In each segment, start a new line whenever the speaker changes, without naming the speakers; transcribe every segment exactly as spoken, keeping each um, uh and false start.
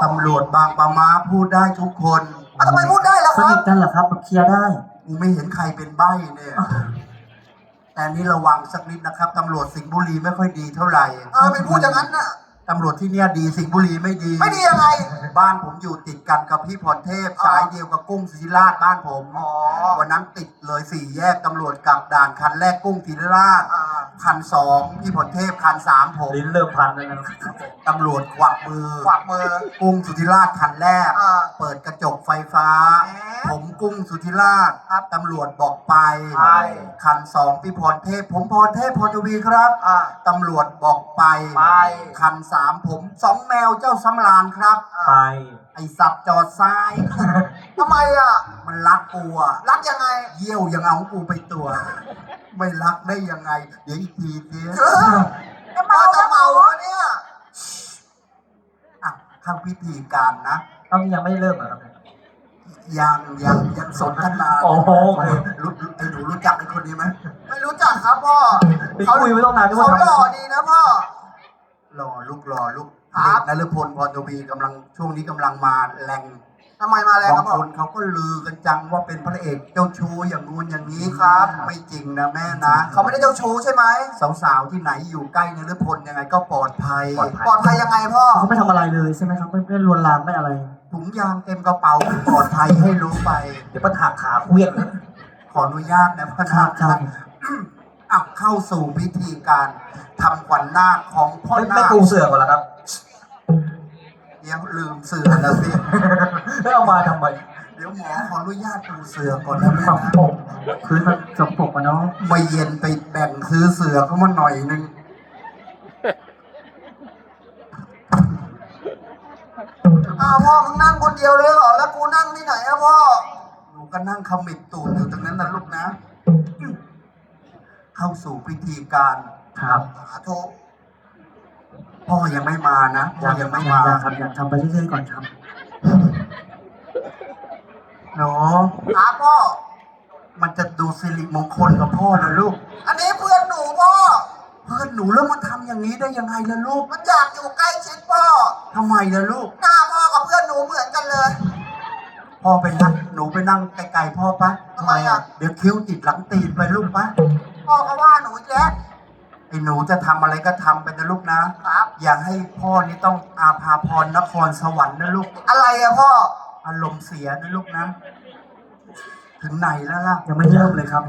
ำรวจบางปะมาพูดได้ทุกคน
อ่ะทำไมพูดได้ล่ะค
ส
รับ
นิทกันเหรอครับเคลียร์ได้
กูไม่เห็นใครเป็นใบ้เนี่ยแต่นี่ระวังสักนิดนะครับตำรวจสิงห์บุรีไม่ค่อยดีเท่าไหร่
เออไม่พูดอย่างนั้นน่ะ
ตำรวจที่เนี่ยดีสิงห์บุรีไม่ดี
ไม่ดียังไง
บ้านผมอยู่ติดกันกับพี่พรเทพสายเดียวกับกุ้งศิริราชบ้านผม
อ๋อ
วันนั้นติดเลยสี่แยกตำรวจกลับด่านคันแรกกุ้งศิริราช
อ่า
คันสองพี่พรเทพคันสามผม
ลิ้นเริ่มพันแล้วนะ
ตำรวจควักมือ
ขวากมือ
กุ้งสุธิราชคันแรก
อ่า
เปิดกระจกไฟฟ้า
แหม
ผมกุ้งสุธิราชครับตำรวจบอกไป
ไป
คันสองพี่พรเทพ ผมพรเทพพรทวีครับ
อ่า
ตำรวจบอกไป
ไป
คันสามผมสองแมวเจ้าสำราญครับ
ไป
ไอสัตว์จอดซ้าย
ทำไมอ่ะ
มันรักกูอะ
รักยังไง
เยี่ยวยังเอากูไปตัว ไม่รักได้ยังไง เดี๋ยวอีกทีเสีย
เออจะเมาจะเมาแล้วเนี่ย
อ่ะเข้าพิธีการนะ
ต้องยังไม่เริ่มเหรอครับ
ยังยังยังสนทนา
โอ้โห
รู้ไอ้หนูรู้จักไอ้คนนี้ไหม
ไม่รู้จักครับพ่อ
ไปคุยไม่ต้องนานด้วย
เขา
ว่า
หล่อดีนะพ่อ
รอลูกรอลูก
ครับ
เด็กนฤพลพรทวีกำลังช่วงนี้กำลังมาแรง
ทำไมมาแล้วครับ
บาง
พ่อ
คนเขาก็ลือกันจังว่าเป็นพระเอกเจ้าชู้อย่างงู้นอย่างนี้ครับ ไม่จริงนะแม่นะ
เขาไม่ได้เจ้าชู้ใช่ไหม
สาวๆที่ไหนอยู่ใกล้นฤพลยังไงก็ปลอดภัย
ปลอดภัยยังไงพ่อ
เขาไม่ทำอะไรเลยใช่ไหมครับไม่ไม่ลวนลามไม่อะไร
ถุงยางเต็มกระเป๋าไม่ปลอดภัยให้รู้ไป
เดี๋ยวปัญหาขาเควี้ยงนะ
ขออนุญาตนะพ่อ
ครั
นา
บ
ค
ครับ
อ่ะเข้าสู่พิธีการทำขวัญนาคของพ่อ
ไม่
นา
ไม่
ค
ปูเสือก่อนแล้วครับ
เดี๋ยวลืมเสือนะสิ
ไม่เอามาทำไม
เดี๋ยวหมอขออนุญาตปูเสือก่อนนะแม่
ฝัง
นะ
ผมพื้นมันสกปรกอะเนาะ
ไม่เย็นไปแบ่งซื้อเสือเข้ามาหน่อยนึง
อ้าวพ่อมึงนั่งคนเดียวเลยเหรอ แล้วกูนั่งที่ไหนอะพ่อ
หนูก็นั่งขมิบตูดอยู่ตรงนั้นนะลูกนะ เข้าสู่พิธีการ
ครับ
สาธุ
พ่อยังไม่มานะพ่อยังไม่มา
อยากครับอยากทำไปเรื่อยๆก่อนครับ
เนาะ
ครับพ่อ
มันจะดูสิริมงคลกับพ่อนะลูก
อันนี้เพื่อนหนูพ่อ
เพื่อนหนูแล้วมาทำอย่างนี้ได้ยังไงล่ะลูก
มันอยากอยู่ใกล้ชิดพ่อ
ทำไมล่ะลูก
หน้าพ่อกับเพื่อนหนูเหมือนกันเลย
พ่อไปนั่งหนูไปนั่งไกลๆพ่อปะ
ทำไมอ่ะ
เดี๋ยวคิ้วติดหลังตีนไปลูกปะ
พ่อก็ว่าหนูอีกแล้ว
ไอ้หนูจะทำอะไรก็ทำไปนะลูกนะครับ อย่าให้พ่อนี่ต้องอาภาพรนครสวรรค์นะลูก
อะไรอะพ่อ
อารมณ์เสียนะลูกนะ ถึงไหนแล้วล่ะ
ยังไม่เริ่มเลยครับ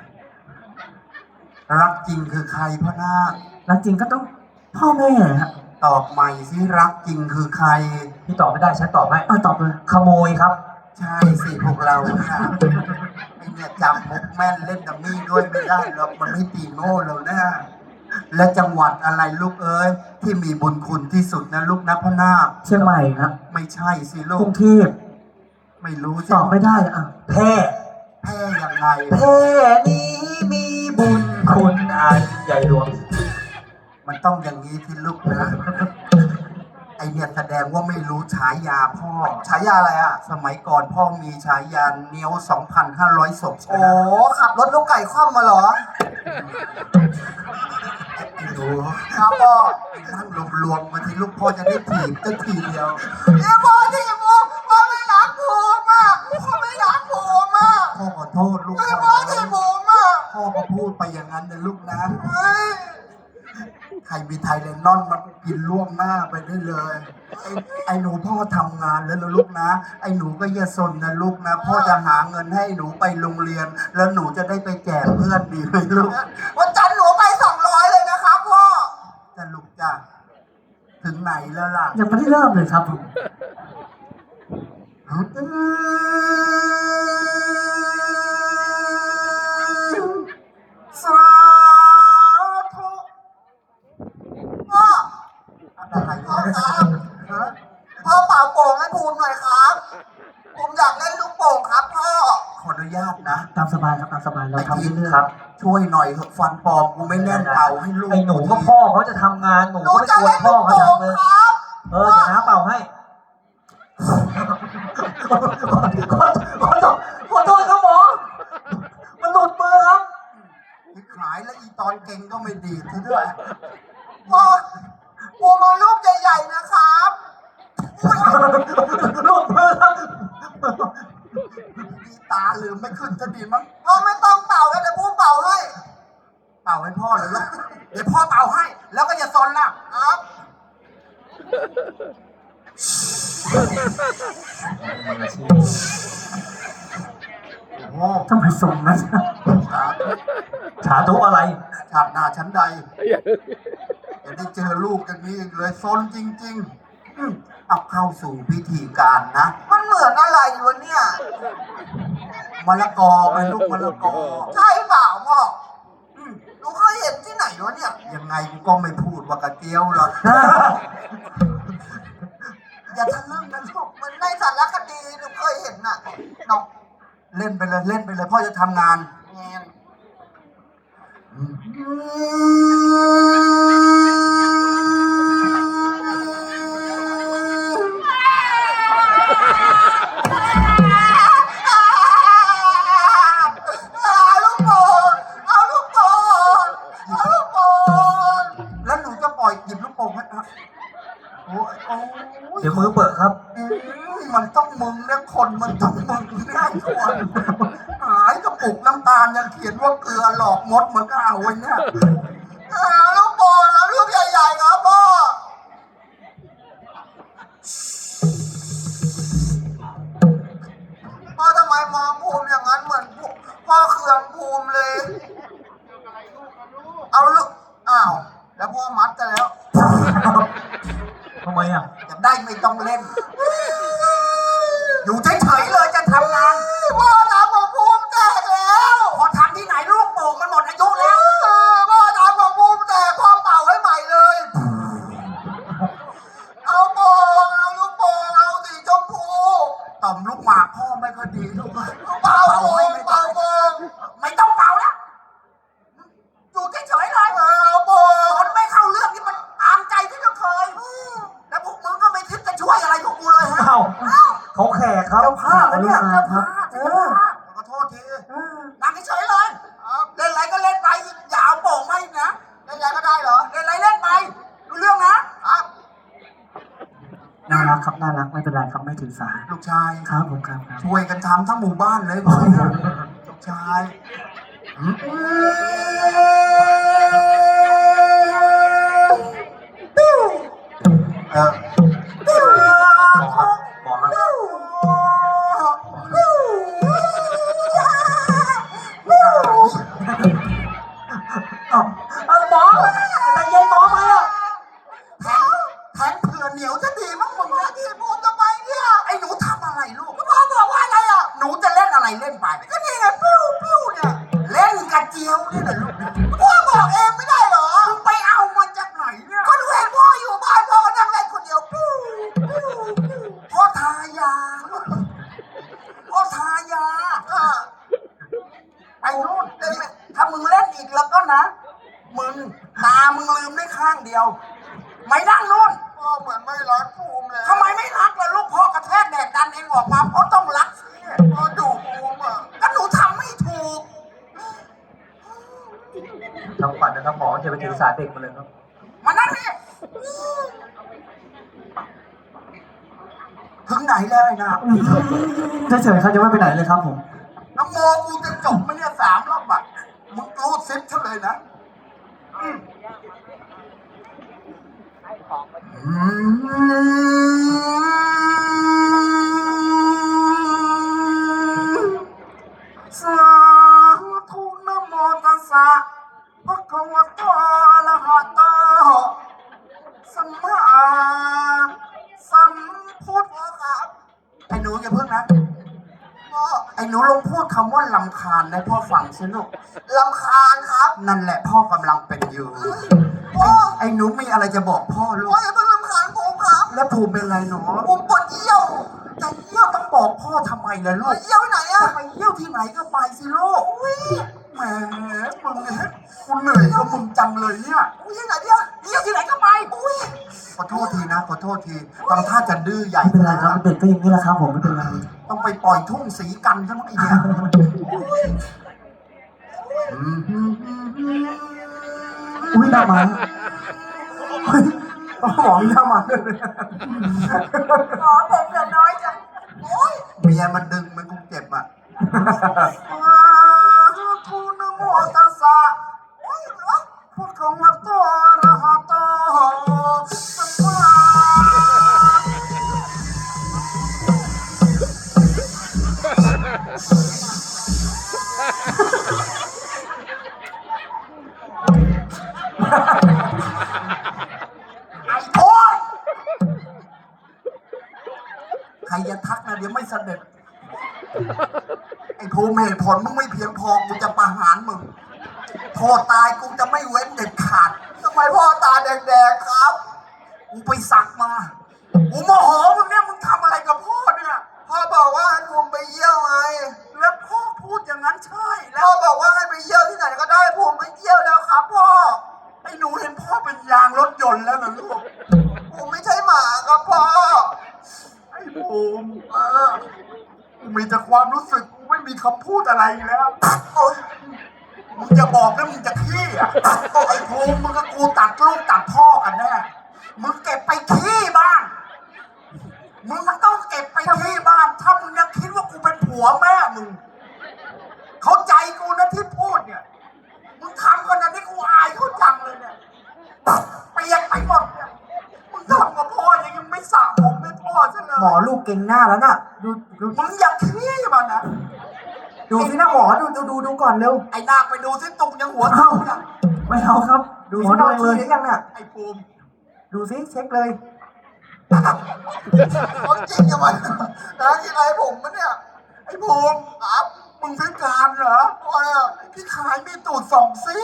รักจริงคือใครพ่อนาค
แล้วจริงก็ต้องพ่อแม่ฮะ
ตอบใหม่สิรักจริงคือใคร
พี่ตอบไม่ได้ฉันตอบให้อ่ะตอบเลยขโมยครับ
ใช่สิพวกเราค่ะไอเนี่ยจำมุกแม่นเล่นดัมมี่ด้วยไม่ได้หรอกมันไม่ตีโง่แล้วนะและจังหวัดอะไรลูกเอ้ยที่มีบุญคุณที่สุดนะลูกนะพ่อนาค
เชียงใหม่ครับ
ไม่ใช่สิลู
กรุ
ก
งเทพ
ไม่รู้สิ
ตอบไม่ได้อ่ะแพร่
แพ้ยังไง
แพร่นี้มีบุญคุณอันใหญ่หลวง
มันต้องอย่างนี้ที่ลูกนะ ไอเนี่ยแสดงว่าไม่รู้ฉายาพ่อ
ฉายาอะไรอะ
สมัยก่อนพ่อมีฉายาเนี้ยวสองพันห้าร้อยศพ
โอ้
นะ
ขับรถลูกไก่คว่ำมาเหรอ
ไอ้หนู
ครับพ่อ
ไอ้นั่งรวมๆมาที่ลูกพ่อจะได้ถีบตั้งทีเดียว
เนี่ยพ่อที่มูพ่อไม่รักผมอ่ะพ่อไม่รักผมอ่ะ
พ่อขอโทษลูก
ไอ้
พ่
พ่อ
อ
ที่ผมอ่ะ
พ่อก็พูดไปอย่างนั้นนะลูกนะ
เฮ้ย
ใครมีไทยเลนนอนมากินล่วงหน้าไปได้เลย ไอ้ไอ้หนูพ่อทำงานแล้วนะลูกนะ ไอ้หนูก็อย่าสนนะลูกนะ พ่อจะหาเงินให้หนูไปโรงเรียน แล้วหนูจะได้ไปแจกเพื่อนดีไหมลูก
วันจันทร์หนูไปสองร้อยเลยนะครับพ่อ
จะลูกจ้ะถึงไหนแล้วล่ะ
ยังไม่ได้เริ่มเลยครับผม
สาธุ
พ่อ
อะไร
พ่อ
วะ
ครับ
ฮะ
พ่อเป่าโป่งให้ภูมิหน่อยครับผมอยากเล่นลูกโป่งครับพ่อ
ขออนุญาตนะ
ตามสบายครับตามสบายเรา
ไอ้
ทำ
ที
เรื่อย
ครับ ช่วยหน่อยเถอะฟันปลอมกูไม่แน่นเป่าให้ลูก
ไอ้หนูก็พ่อเขาจะทำงานหนู
หนู
ก็ไม่
จะ
ควร
เล่น
พ่
ลู
อก เขา
โป่ง
ทำเลย
ครับ
เออเดี๋ยวน้าเป่าให้ขอขอขอโทษขอโทษครับหมอมันหลุดมือครับ
ขายแล้วอีตอนเก่งก็ไม่ดีซะด้วย
พ่อผมเอาลูกใหญ่ๆนะครับ
หลุดมือครับ
ดีตาลืมไม่ขึ้นจะดีมั้ง
พ่อไม่ต้องเป่าแล้วเดี๋ยวผมเป่าให้
เป่าให้พ่อเลยลูกเดี๋ยวพ่อเป่าให้ แล้วก็อย่าซนล่ะ
ครับ
โอ้
ทำไมส่งนะ
สาธุ
สาธุอะไร
ชาติหน้าชั้นใดจะได้เจอลูกอย่างนี้อีกเลยซนจริงๆอืมเอาเข้าสู่พิธีการนะ
มันเหมือนอะไรวะเนี่ย
มะละกอไปลูกมะละกอ
ใช่เปล่าพ่ออืมหนูเคยเห็นที่ไหนวะเนี่ย
ยังไงกูก็ไม่พูดว่ากระเจียวหรอก อย่าทะลึ่งนะลูก
มันในสารคดีหนูเคยเห็นน่ะน้อง
เล่นไปเลยเล่นไปเลยพ่อจะทำงาน
แงน เอาลูกโป่งเอาลูกโป่งเอาลูกโป่ง
แล้วหนูจะปล่อยหยิบลูกโป่งให้อ่ะโอ้ยโอ้ย
เดี๋ยวมือเปิดครับ
อืมมันต้องมึงนะคนมันต้องมึงแน่คนหายกระปุกน้ำตาลยังเขียนว่าเกลือหลอกมดมันก็เอาไว้เนี่ย
เอาลูกโป่งเอาลูกใหญ่ๆครับพ่อพ่อทำไมมองภูมิอย่างนั้นเหมือนพ่อเคืองภูมิเลย เอาลูกอ้าวแล้วพ่อมัดกันแล้ว
ทำไมอ่ะ
จะได้ไม่ต้องเล่น อยู่เฉยๆเลยจะทำงาน
พ่อทำของภูมิแตกแล้ว
พอทำที่ไหนลูกโป่งมันหมดอายุแล้ว
พ่อทำของภูมิแตกพ่อเป่าให้ใหม่เลย เอาโป่งเอาลูกโป่งเอาสีชมพู
ต่อมลูกหมากพ่อไม่ค่อยดีลูก
เป่าโป่
ให้
ง
ไม่
เป่า
ได้
โป่ง
ไม่ต้องเป่าแล้วอยู่เฉยๆเลย
เอาโป่ง
คนไม่เข้าเรื่องนี่มันตามใจที่เราเคย แล้วพวกมึงก็ไม่คิดจะช่วยอะไรพวกกูเลยฮะ
อ้าวเขาแขกครับ
เจ้าภาพนะเนี่ย
เจ้า
เจ้า
ภา
ภา
พ
พเจ้าภาพขอโทษทีนั่งเฉยๆเลยเล่นอะไรก็เล่นไปอย่าเอาโป่งมาอีกนะ
เล่นอะไรก็ได้เหรอ
เล่นอะไรเล่นไปรู้เรื่องนะครับ
น่ารักครับน่ารักไม่เป็นไรครับไม่ถือสา
ลูกชาย
ครับผมครับครับ
ช่วยกันทำทั้งหมู่บ้านเลยผมเนี่ยลูกชายอืมเออ
บอกครับบอกครับอ้าวเอาหมอแต่เย็นหมอไหมอ่ะ
แทงแทงเผื่อเหนียวจะดีมั้งมึงนะที่พูดทำไมเนี่ยไอ้หนูทำอะไรลูกพ่อบอกว่าอะไรอ่ะหนูจะเล่นอะไรเล่นไปก็นี่ไงปิ้วปิ้วเนี่ยเล่นกระเจียวนี่แหละลูกพ่อบอกเองไม่ได้เหรอมึงไปเอามาจากไหนเนี่ยก็หนูเห็นพ่ออยู่บ้านพ่อก็นั่งเล่นคนเดียวปิ้วปิ้วปิ้วพ่อทายาพ่อทายาอ่ะไปนู่นเล่นไม่ถ้ามึงเล่นอีกแล้วก็นะมึงตามึงลืมได้ข้างเดียว ไม่นั่งนู่น
พ่อเหมือนไม่รักภูมิเลย
ทำไมไม่รักล่ะลูกพ่อกระแทกแดดดันเองออกมาเพราะต้องรักสิ
พ่อดุภูมิอ่ะ
ก็หนูทำไม่ถูก
ทำขวัญนะครับหมอจะไปถือสาเด็กมาเลยครับ
มานั่งนี่ถึงไหนแล้วไอ้นา
เฉยๆเขาจะไม่ไปไหนเลยครับผม
น้ำโมกูจะจบไหมเนี่ยสามรอบอ่ะมึงรูดซิปเฉลยนะอืมอืมสาธุนะโมตัสสะภะคะวะโตอะระหะโตสัมมาสัมพุทธครับไอ้หนูอย่าเพิ่งนะพ่อไอ้หนูลองพูดคำว่าลำคาญให้พ่อฟังสิลูก
ลำคาญครับ
นั่นแหละพ่อกำลังเป็นอยู่
พ่อ
ไอ้หนูมีอะไรจะบอกพ่อลู
พ่อก อย่าเพิ่งลำคาญผมครับ
แล้วภูมิเป็นไรหนู
ผมปวดเยี่ยว
จะเยี่ยวต้องบอกพ่อทำไมล่ะลูก
เยี่ยวที่ไหนอ่ะ
จะไปเยี่ยวที่ไหนก็ไปสิลูกแหมมึงเนี่ยกูเหนื่อยกับมึงจังเลยเนี่ย
อุ้ยที่ไหนเนี่ย
เยี่ยวที่ไหนก็ไป
อุ้ย
ขอโทษทีนะขอโทษทีทำท่าจะดื้อใหญ่
ไม่เป็นไรครับเด็กก็อย่างนี้แหละครับผมไม่เป็นไร
ต้องไปปล่อยทุ่งสีกันใช่ไหมไอ้เนี่ยอืม
อุ้ยหน้ามาเฮ้ยหมอมีหน้ามาเลย
หมอผมเหลือน้อยจังโอ้ย
เมียมันดึงมันกูเจ็บอ่ะทูนโมตัสสะ
โอ้ยเหรอ
พุทธังวัตโตอะระหะโตสัมมา ไอ้โทษใครจะทักนะเดี๋ยวไม่เสด็จ ไอ้ภูมิเหตุผลมึงไม่เพียงพอกูจะประหารมึงโทษตายกูจะไม่เว้นเด็ดขาด
ทำไมพ่อตาแดงๆครับ
กูไปสักมา กูโมโหมึงเนี่ยมึงทำอะไรกับพ่อเนี่ย
พ่อบอกว่าให้ผมไปเยี่ยวไง
แล้วพ่อพูดอย่างนั้นใช่แล้
พ่อ
ว
บอกว่าให้ไปเยี่ยวที่ไหนก็ได้ผมไปเยี่ยวแล้วครับพ่อ
ไอ้หนูเห็นพ่อเป็นยางรถยนต์แล้วเหรอลูก
ผมไม่ใช่หมาครับพ่อ
ไอ้ภูมิเออกูมีแต่ความรู้สึกกูไม่มีคำพูดอะไรแล้ว
โอ๊ย
มึงจะบอกนะมึงจะขี้อ่ะไอ้ภูมิมึงกับกูตัดลูกตัดพ่อกันแน่ มึงเก็บไปขี้บ้าง มึงต้องเก็บไปที่บ้าน ถ้ามึงยังคิดว่ากูเป็นผัวแม่มึง เข้าใจกูนะที่พูดเนี่ย มึงทำขนาดนี้กูอายเขาจังเลยเนี่ยเปียกไปหมดเนี่ย มึงทำกับพ่อยังยังไม่สระผมให้พ่อซะเลย
หมอลูกเก่งหน้าแล้วน่ะ ดูดู
มึงอย่าขี้มันนะ
ดูสินะหมอดูดูดูดูก่อนเร็ว
ไอ้นาคไปดูสิตุงยังหัวเท่านะ
ไม่เอาครับ ดูสิเราขี้หรือยังน่ะ
ไอ้ภูมิ
ดูสิเช็คเลย
เขาจริงยังไงนะที่ไรผมมันเนี่ย
ไอ้ภูมิครับมึงพิการเหรอ
พ่อเนี่ย
พี่ขายมีตูดสองซี่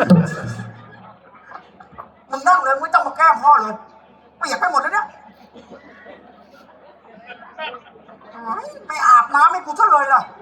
มึงนั่งเลยไม่ต้องมาแกล้งพ่อเลยเปียกไปหมดแล้วเนี่ยเฮ้ยไม่อาบน้ำให้กูซะเลยล่ะ